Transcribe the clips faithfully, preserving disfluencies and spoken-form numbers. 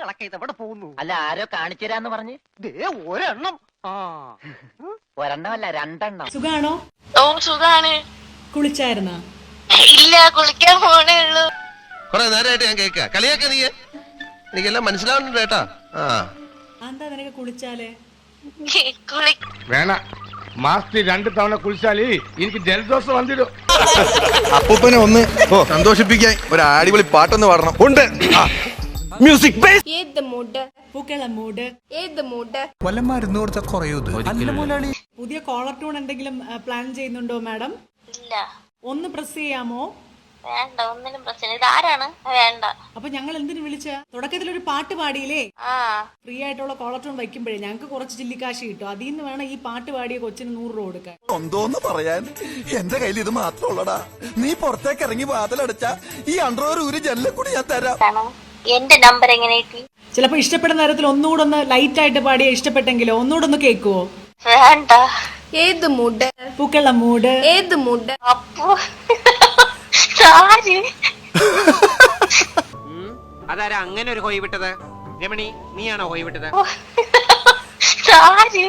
കണ്ണുകളൊക്കെ ഇത് എവിടെ പോകുന്നു? അല്ല ആരോ കാണിച്ചു തരാന്ന് പറഞ്ഞ് ദേ ഒരെണ്ണം. ആ ഒരെണ്ണമല്ല രണ്ടെണ്ണം. സുഖാണോ? ഓ സുഖാണ്. കുളിച്ചായിരുന്ന? ഇല്ല, കുളിക്കാൻ പോണേ ഉള്ളൂ. കൊറേ നേരമായിട്ട് ഞാൻ കേൾക്ക കളിയാക്ക നീ എനിക്കെല്ലാം മനസ്സിലാവുന്നുണ്ട് കേട്ടാ. ആ എന്താ നിനക്ക് കുളിച്ചാലേ? കുളി വേണ മാസത്തിൽ രണ്ട് തവണ കുളിച്ചാല് എനിക്ക് ജലദോഷം വന്നിടും. അപ്പൂപ്പനെ ഒന്ന് സന്തോഷിപ്പിക്കാൻ ഒരു അടിപൊളി പാട്ടൊന്ന് പാടണം. ഉണ്ട് മ്യൂസിക് ബേസ്. ഏത് മൂഡ്? പൂക്കള മൂട്. ഏത് മൂഡ്? വല്ല മരുന്ന് കൊടുത്താൽ കുറയൂ. പുതിയ കോളർ ട്യൂൺ എന്തെങ്കിലും പ്ലാൻ ചെയ്യുന്നുണ്ടോ മാഡം? ഇല്ല. ഒന്ന് പ്രസ് ചെയ്യാമോ? വേണ്ട, ഒന്നിനും പ്രശ്നം. ഇത് ആരാണ്? വേണ്ട. അപ്പൊ ഞങ്ങൾ എന്തിനു വിളിച്ച? തുടക്കത്തിൽ ഒരു പാട്ട് പാടിയില്ലേ? ആ ഫ്രീ ആയിട്ടുള്ള കോളർ ട്യൂൺ വയ്ക്കുമ്പോഴേ ഞങ്ങൾക്ക് കുറച്ച് ചില്ലിക്കാശ് കിട്ടും. അതിൽ നിന്ന് വേണം ഈ പാട്ട് പാടിയ കൊച്ചിന് നൂറ് രൂപ കൊടുക്കാൻ. എന്തോന്ന് പറയാൻ, എന്റെ കയ്യിൽ ഇത് മാത്രം ഉള്ളടാ. നീ പുറത്തേക്ക് ഇറങ്ങി വാതിലടച്ച ഈ അണ്ടർവെയർ ഊരി ജനലിൽ കൂടി ഞാൻ തരാം. ആണോ? എന്റെ നമ്പർ എങ്ങനെ കിട്ടി? ചിലപ്പോ ഇഷ്ടപ്പെടുന്ന നേരത്തിൽ ഒന്നുകൂടെ ഒന്ന് ലൈറ്റ് ആയിട്ട് പാടിയ ഇഷ്ടപ്പെട്ടെങ്കിലോ ഒന്നുകൂടെ ഒന്ന് കേൾക്കുവോ? വേണ്ട. ഏത് മൂഡ്? പൂക്കള മൂട്. ഏത് മൂഡ്? അപ്പോ ആര്? അതാരാ അങ്ങനെ ഒരു ഹോയ് വിട്ടത്? രമണി, നീയാണോ ഹോയ് വിട്ടത്? ആര്?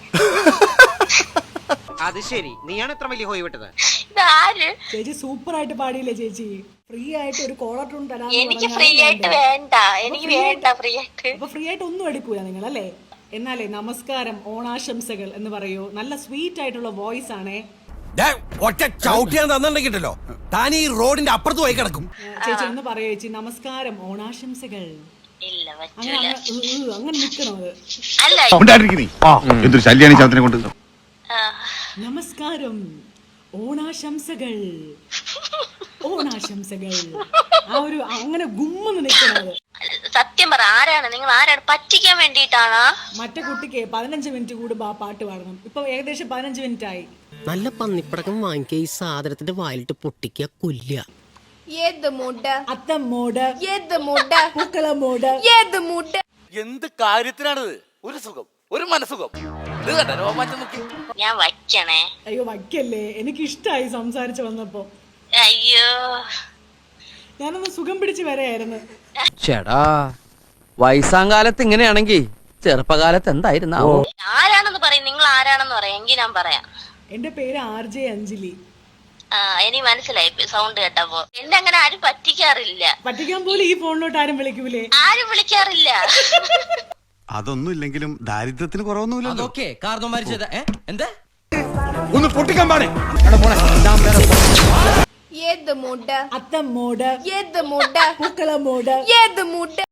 അത് ശരി, നീയാണ് ഇത്ര വലിയ ഹോയ് വിട്ടത്? ഇതാര്? ചേച്ചി സൂപ്പർ ആയിട്ട് പാടിയില്ലേ ചേച്ചി? ഫ്രീ ആയിട്ട് ഒരു കോളർ ട്യൂൺ തരാം. എനിക്ക് ഫ്രീ ആയിട്ട് വേണ്ട. എനിക്ക് വേണ്ട ഫ്രീ ആയിട്ട്. അപ്പൊ ഫ്രീ ആയിട്ട് ഒന്നും എടുക്കൂല നിങ്ങൾ അല്ലേ? എന്നാലേ നമസ്കാരം, ഓണാശംസകൾ എന്ന് പറയൂ. നല്ല സ്വീറ്റ് ആയിട്ടുള്ള വോയിസ് ആണേ. ഒറ്റ ചവിട്ടിയാൻ തന്നിട്ടുണ്ടല്ലോ താൻ ഈ റോഡിന്റെ അപ്പുറത്ത് പോയി കിടക്കും. ചേച്ചി ഒന്ന് പറയൂ ചേച്ചി, നമസ്കാരം, ഓണാശംസകൾ. ഇല്ല, അങ്ങനെ പറ്റൂല. അങ്ങ് ഉ, ഉ, അങ്ങനെ നിക്കണോ? അത് അല്ല. എന്തൊരു ശല്യാണ് ചാത്തിനെ കൊണ്ട്. ആ. നമസ്കാരം, ഓണാശംസകൾ, ഓണാശംസകൾ. ആ ഒരു അങ്ങനെ ഗുമ്മെന്ന് നിക്കണത്. സത്യം പറ, ആരാണ് നിങ്ങൾ? ആരാണ്? പറ്റിക്കാൻ വേണ്ടിട്ടാണോ? മറ്റേ കുട്ടിക്ക് പതിനഞ്ച് മിനിറ്റ് കൂടുമ്പോ ആ പാട്ട് പാടണം. ഇപ്പൊ ഏകദേശം പതിനഞ്ച് മിനിറ്റ് ആയി. നല്ല പന്നിപ്പടക്കം വാങ്ങിക്കുക, ഈ സാധനത്തിന്റെ വായിലിട്ട് പൊട്ടിക്കുക, കൊല്ലുക. ഏത് മൂഡ്? അത്തം മോഡ്. ഏത് മൂഡ്? പൂക്കള മോഡ്. ഏത് മൂഡ്? എന്ത് കാര്യത്തിനാണിത്? ഒരു സുഖം, ഒരു മനസുഖം. ഇത് കണ്ട രോമാറ്റം നോക്കി. ഞാൻ വയ്ക്കണേ. അയ്യോ വയ്ക്കല്ലേ, എനിക്ക് ഇഷ്ടായി സംസാരിച്ചു വന്നപ്പോ. അയ്യോ, ഞാനൊന്ന് സുഖം പിടിച്ച് വരെയായിരുന്നു. ചേടാ, വയസ്സാങ്കാലത്ത് ഇങ്ങനെയാണെങ്കി ചെറുപ്പകാലത്ത് എന്തായിരുന്നാവോ? ആരാണെന്ന് പറയും. നിങ്ങൾ ആരാണെന്ന് പറയാം, എങ്കിൽ ഞാൻ പറയാം. എന്റെ പേര് ആർ ജെ അഞ്ജലി. ആ, എനിക്ക് മനസ്സിലായി സൗണ്ട് കേട്ടപ്പോ. എന്നെ അങ്ങനെ ആരും പറ്റിക്കാറില്ല. പറ്റിക്കാൻ പോലും ഈ ഫോണിലോട്ട് ആരും വിളിക്കൂലേ? ആരും വിളിക്കാറില്ല. അതൊന്നും ഇല്ലെങ്കിലും ദാരിദ്ര്യത്തിന് കുറവൊന്നുമില്ലല്ലോ. അതൊക്കെ കാരണവന്മാര് ചെയ്ത എന്താ ഒന്ന് പൊട്ടിക്കാൻ പാടേ. ഏത് മൂഡ്? അത്തം മോഡ്. ഏത് മൂഡ്? പൂക്കള മോഡ്. ഏത് മൂഡ്?